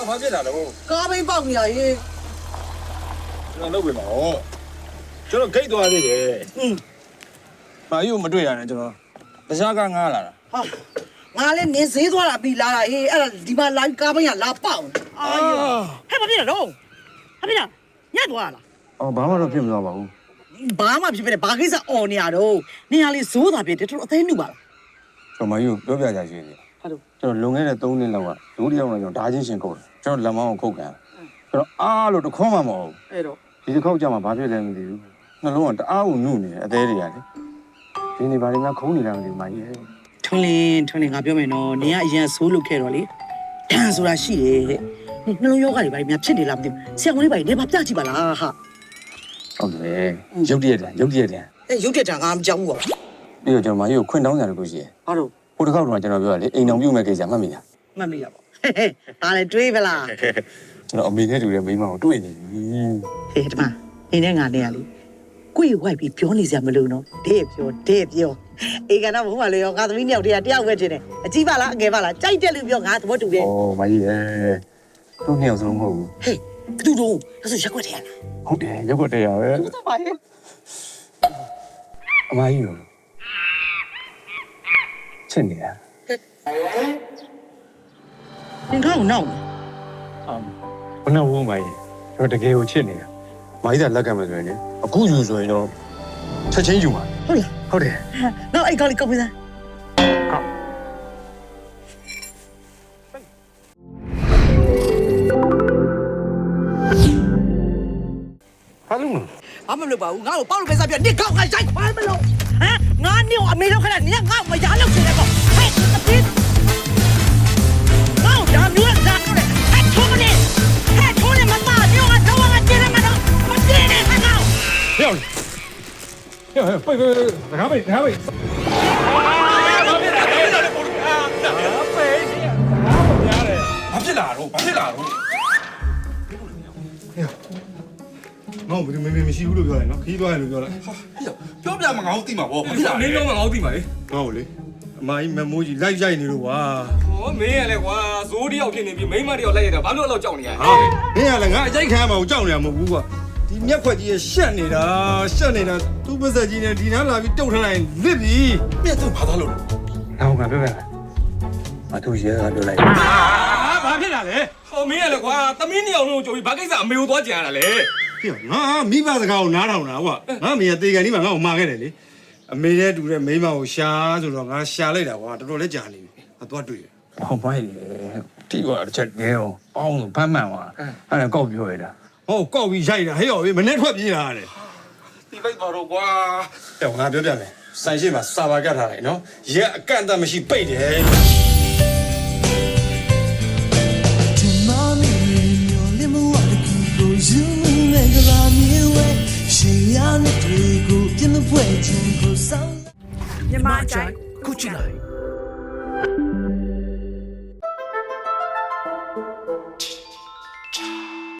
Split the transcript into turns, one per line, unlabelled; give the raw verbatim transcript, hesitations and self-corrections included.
ဘာဖြစ်လာလဲကို
ကားဘိန်းပေါက်နေရရေး
ကျွန်တော်လုပ်ပြပါဦးကျွန်တော်ဂိတ်သွားသေးတယ်ဟင်းဘာယူမတွေ့ရနဲ့ကျွန်တော်တရားကငားလာတာ
ဟာငါလည်းနေဈေးသွားတာပြီးလာတာအေးအဲ့ဒါဒီမှာလာကားဘိန်းကလာပေါက်အာဟဲ့ဘာဖြစ်လဲတော့ဟာဖြစ်လားညက်သွားလား
အော်ဘာမှတော့ဖြစ်မသွားပါဘူး
ဘာမှဖြစ်ဖြစ်ဘာကိစ္စအော်နေရတော့နေရာလေးဇိုးတာပြတယ်တော်တော်အသေးနှုတ်ပါလား
ကျွန်တော်မယူပြောပြကြရွှေစီ
ဟုတ်တော့
ကျွန်တော်လွန်ခဲ့တဲ့သုံးနှစ်လောက်ကလူတစ်ယောက်နဲ့ကျွန်တော်ဓာချင်းရှင်ခုတ်တယ်ကျွန်တော်လက်မောင်းကိုခုတ်ကန်ကျွန်တော်အားလို့တခေါမှမဟုတ်ဘူး
အဲ့တော့
ဒီတစ်ခေါက်ကြာမှဘာဖြစ်လဲမသိဘူးနှလုံးကတအားကိုညှို့နေတယ်အသေးတွေကလေဒီနေ့ဘာတွေမှခုံးနေတာမသိဘူးမကြီးရဲ့
ထွန်းလင်းထွန်းလင်းငါပြောမယ်နော်နေကအရင်ဆိုးလုပ်ခဲ့တော့လေတန်ဆိုတာရှိတယ်တဲ့နှလုံးယောဂတွေဘာတွေများဖြစ်နေလားမသိဘူးဆရာဝန်လေးဘာတွေနေပါပြကြည့်ပါလားဟာ
ဟုတ်တယ်ရုပ်တရက်တန်ရုပ်တရက်တန်
အဲရုပ်တရက်တန်ငါမကြောက်ဘူးပေါ့
ပြီးတော့ကျွန်တော်မကြီးကိုခွင့်တောင်းကြတယ်ကိုရှိရဲ့
ဟုတ်တော့
ဟိုတစ်ခေါက်တော့ကျွန်တော်ပြောရလေအိမ်အောင်ပြုတ်မဲ့ကိစ္စမှတ်မိလား
မှတ်မိရပါဒါလည်းတွေးပလား
ကျွန်တော်အမေနဲ့တူတဲ့မိန်းမကိုတွေ့နေပြီ
ဟေးဒီမှာနေနဲ့ငါနဲ့ရလေကိုယ်ဝိုက်ပြီးပြောနေစရာမလိုတော့တဲ့ပြောတဲ့ပြောအေးကတော့ဘုံမလေးရောငါသမီးနှစ်ယောက်တည်းကတယောက်ပဲချင်းတယ်အကြီးပါလားအငယ်ပါလားကြိုက်တဲ့လူပြောငါသဘောတူတယ်
ဩမကြီးရဲ့သူ့နှစ်ယောက်စလုံးမဟုတ်ဘူး
ဟေးဘသူတို့အဲ့ဆိုရက်ွက်တယ်ရလား
ဟုတ်တယ်ရက်ွက်တယ်ရပဲ
ဟုတ်ပါရဲ့
အမကြီးရောချစ်နေတာ
သင်ကောင်းနောက်
အာဘယ်နဲ့ဝုန်းမကြီးကျွန်တော်တကယ်ကိုချစ်နေတာမကြီးကလက်ကမ်းမယ်ဆိုရင်လေအခုယူဆိုရင်တော့ချက်ချင်းယူမှာ
ဟုတ်လား
ဟုတ်တယ်
နောက်အဲ့ကောင်းလေးကောက်ပေးစမ်း
ဟာလုံး
ဘာမှမလုပ်ပါဘူးငါ့ကိုပေါက်လို့ပဲစားပြနေကောက်ငါရိုက်ခွာမလို့ဟမ်ငါနေအမေတော့ခဏနေငါ့မရလို့ရှင်လေပေါ့ဟဲ့အပြင်းငါ့ဒါမျိုးကစားလို့ဟဲ့ထုံးမနေဟဲ့ထုံးနေမပါညောငါတော့ငါကျင်းနေမှာတော့မကျင်းနဲ့ငါ့
ဟဲ့ဟဲ့ဟဲ့ပိတ်ပိတ်ငါပိတ်ငါပိတ်
ဘာဖြစ်လာတော့ဘာဖြစ်လာတော့
ငါ့ဘယ်သူမမေမရှိဘူးလို့ပြောတယ်နော်ခီးသွားတယ်လို့ပြောလိုက်
ဟာပြောပြမှာငါ့ကိုသိမှာပေါ့
ဘာဖြစ်လာမင်းပြောမှာငါ့ကိုသိမှာလေ
ငါ့ကိုလေအမကြီးမမိုးကြီးလိုက်ရိုက်နေလို့ကွာ
ဟောမင်းရလဲကွာဇိုးတယောက်ဖြစ်နေပြီမိန်းမတယောက်လိုက်ရတာဘာလို့အဲ့လောက်ကြောက်နေရလဲ
ဟာမင်းကလည်းငါအကြိုက်ခံရမှာကိုကြောက်နေရမှာမဟုတ်ဘူးကွာဒီမျက်ခွက်ကြီးရရှက်နေတာရှက်နေတာသူ့ပါစက်ကြီးနဲ့ဒီနားလာပြီးတုတ်ထားလိုက်လစ်ပြီ
မြတ်သူဘာသာလို့လဲ
ငါ့ကိုငါပြောပြမယ်မသူရဲကပြောလိုက်
ဟာဘာဖြစ်လာလဲဟောမင်းရလဲကွာသမီးနှစ်ယောက်လုံးကြိုပြီးဘာကိစ္စအမေကိုသွားကြံရတာလဲ
ပြောငါမိဘစကားကိုနားထောင်တာကွာငါမေကတေကန်ဒီမှာငါ့ကိုမှာခဲ့တယ်လေအမေနဲ့တူတဲ့မိန်းမကိုရှာဆိုတော့ငါရှာလိုက်တာကွာတော်တော်လေးကြာနေပြီငါသွားတွေ့တယ်ဟောမိုင်းလေတီးတော့တစ်ချက်ငဲအောင်အောင်းလို့ဖမ်းမှန်သွားအဲ့ဒါကောက်ပြောရတာဟောကောက်ပြီးရိုက်တာဟဲ့ရောမနေ့ထွက်ပြေးလာတယ်
တီးလိုက်ပါတော့ကွာ
တော့ငါပြောပြမယ်ဆိုင်ရှိမှာစာပါကတ်ထားလိုက်နော်ရက်အကန့်အသတ်မရှိပိတ်တယ်
မြန်မာအကြိုက်ခုချီလိုက်